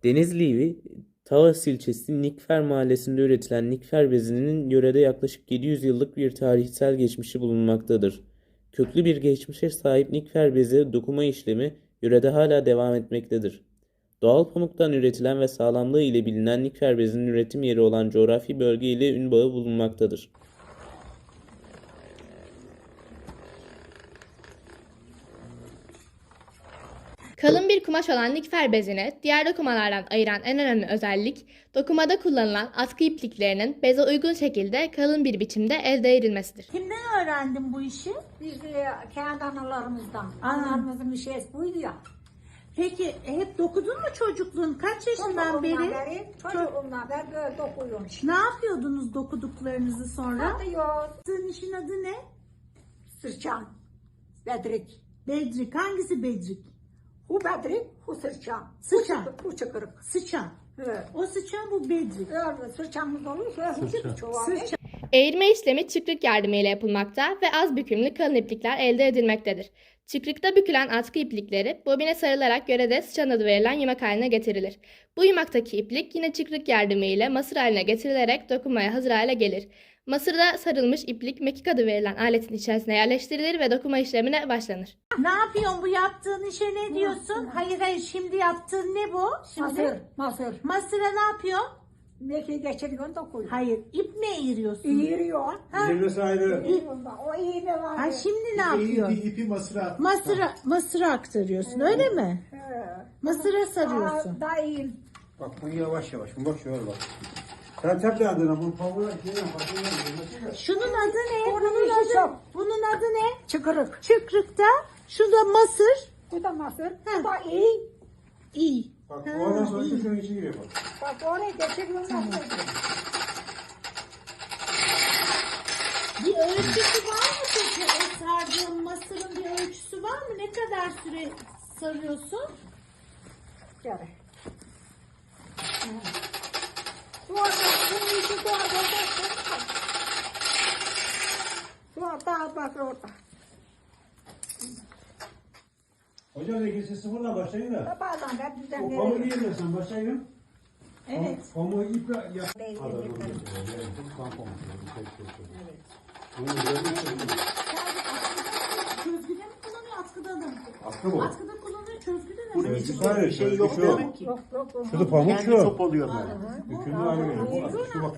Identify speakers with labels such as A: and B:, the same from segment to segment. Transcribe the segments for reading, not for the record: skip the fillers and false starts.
A: Denizli Tavas ilçesi Nikfer mahallesinde üretilen nikfer bezinin yörede yaklaşık 700 yıllık bir tarihsel geçmişi bulunmaktadır. Köklü bir geçmişe sahip nikfer bezi dokuma işlemi yörede hala devam etmektedir. Doğal pamuktan üretilen ve sağlamlığı ile bilinen nikfer bezinin üretim yeri olan coğrafi bölge ile ün bağı bulunmaktadır.
B: Kalın bir kumaş olan nikfer bezini diğer dokumalardan ayıran en önemli özellik, dokumada kullanılan atkı ipliklerinin beze uygun şekilde kalın bir biçimde elde edilmesidir.
C: Kimden öğrendin bu işi?
D: Biz kendi analarımızdan. Analarımızın bir şeysi buydu ya.
C: Peki hep dokudun mu çocukluğun? Kaç yaşından beri?
D: Çocukluğumdan beri böyle dokuyorum işte.
C: Ne yapıyordunuz dokuduklarınızı sonra?
D: Atıyor.
C: Sizin işin adı ne?
D: Sırçan. Bedrik.
C: Bedrik. Hangisi Bedrik?
D: Hu bedrik, hu sırçan.
C: Sıçan.
D: Hu çıkırık.
C: Sıçan.
D: Evet.
C: O sıçan bu Bedrik.
D: Öyle sırçamız olursa hu çıkırık çoğalır.
C: Sıçan.
B: Eğirme işlemi çıkrık yardımıyla yapılmakta ve az bükümlü kalın iplikler elde edilmektedir. Çıkrıkta bükülen atkı iplikleri bobine sarılarak yörede sıçan adı verilen yumak haline getirilir. Bu yumaktaki iplik yine çıkrık yardımıyla masır haline getirilerek dokunmaya hazır hale gelir. Masırda sarılmış iplik mekik adı verilen aletin içerisine yerleştirilir ve dokuma işlemine başlanır.
C: Ne yapıyorsun bu yaptığın işe ne diyorsun? Hayır şimdi yaptığın ne bu? Şimdi
D: Masır.
C: masıra ne yapıyorsun?
D: Mekiği geçiriyorsun dokuyor.
C: Hayır ip mi eğiriyorsun?
D: İğiriyor.
E: İğirmesi ayrı.
D: O iğne var.
C: Ha şimdi ne yapıyorsun?
E: İpi masıra.
C: Masıra aktarıyorsun öyle mi? Masıra sarıyorsun.
D: Daha iyi.
E: Bak bunu yavaş yavaş. Bak şöyle bak. Sen tep adına bunu pamuğa
C: Şunun adı ne?
D: Bunun işi çok.
C: Bunun adı ne?
D: Çıkırık.
C: Çıkrıkta. Şu da masır.
D: Bu da masır. Bu da iyi.
C: İyi.
E: Bak oradan sonra
C: iyi.
E: şunun içine giriyor bak.
D: Bak oraya geçiriyorsun.
C: Bir ölçüsü var mı peki? O sardığın masırın bir ölçüsü var mı? Ne kadar süre sarıyorsun?
D: Gel. Bu arada bunun işi bu arada. Bu arada bak orada.
E: Hocam ikisi sıfırla başlayın da.
D: Bazen de
E: O
D: düzenleri.
E: pamuğu yiyemezsen başlayın.
C: Evet.
E: Pamuğu iple yap.
C: Çözgüde mi kullanıyor, atkıda mı?
E: Atkı bu.
C: Atkıda kullanıyor, çözgüde mi?
F: Bunun içinde bir şey yok
E: şu.
F: demek ki.
D: Yok.
E: Şurada pamuk
F: Kendi
E: şu.
F: top oluyor böyle.
E: Hükümlü hale geliyor. Bu şu bak.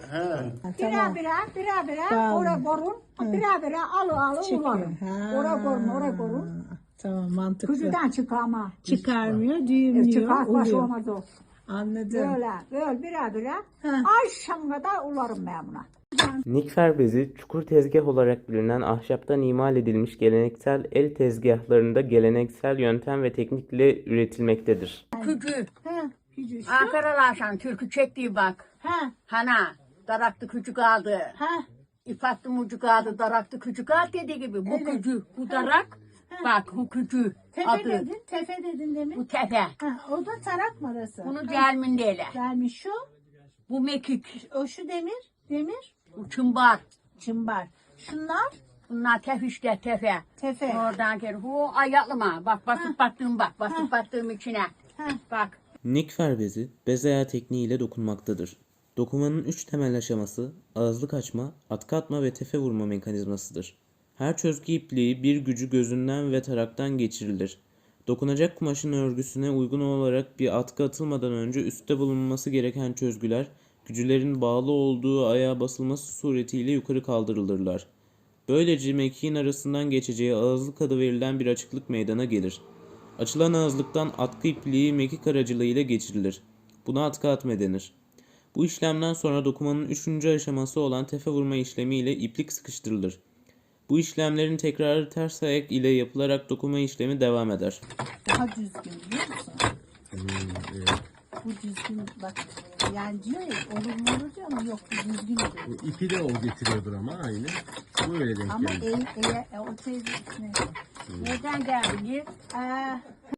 D: Bira oraya korun. Bira alı ularım. Oraya korun.
C: Tamam, mantıklı.
D: Kuzudan çıkama.
C: Çıkarmıyor, düğümlüyor,
D: Çıkar baş
C: oluyor.
D: olmaz o.
C: Anladım.
D: Böyle bira. Akşam kadar ularım ben buna.
A: Nikfer bezi çukur tezgah olarak bilinen ahşaptan imal edilmiş geleneksel el tezgahlarında geleneksel yöntem ve teknikle üretilmektedir.
G: Küçü.
C: Gücü şu.
G: Ankaralaşan türkü çektiği bak.
C: Ha,
G: Hana. Daraktı küçük aldı.
C: ha.
G: İp attı mucuk aldı. Daraktı küçük aldı dediği gibi. Bu küçü. Bu darak. Bak bu küçü. Adı.
C: Tefe dedin demin.
G: Bu tepe.
C: Ha, o da tarak marası.
G: Bunu gelmindeyle.
C: Gelmiş şu.
G: Bu mekik.
C: O şu demir.
G: Bu çımbar.
C: Çımbar. Şunlar
G: Bunlar tef işte tefe.
C: tefe.
G: Oradan gel. Bu ayaklıma. Bak basıp battığım bak. Basıp battığım içine.
C: Ha.
G: Bak.
A: Nikfer bezi bez ayağı tekniğiyle dokunmaktadır. Dokumanın 3 temel aşaması ağızlık açma, atkı atma ve tefe vurma mekanizmasıdır. Her çözgü ipliği bir gücü gözünden ve taraktan geçirilir. Dokunacak kumaşın örgüsüne uygun olarak bir atkı atılmadan önce üstte bulunması gereken çözgüler, gücülerin bağlı olduğu ayağa basılması suretiyle yukarı kaldırılırlar. Böylece mekiğin arasından geçeceği ağızlık adı verilen bir açıklık meydana gelir. Açılan ağızlıktan atkı ipliği mekik aracılığıyla geçirilir. Buna atkı atma denir. Bu işlemden sonra dokumanın 3. aşaması olan tefe vurma işlemiyle iplik sıkıştırılır. Bu işlemlerin tekrarı ters ayak ile yapılarak dokuma işlemi devam eder.
C: Daha düzgün biliyor musun? Bu düzgün bak. Yani diyor ya olur diyor ama yok bu düzgün oluyor.
F: İpi de o getiriyordur ama aynı. Bu öyle denk
C: Ama
F: geldi.
C: o teyze
G: Nereden geldiniz?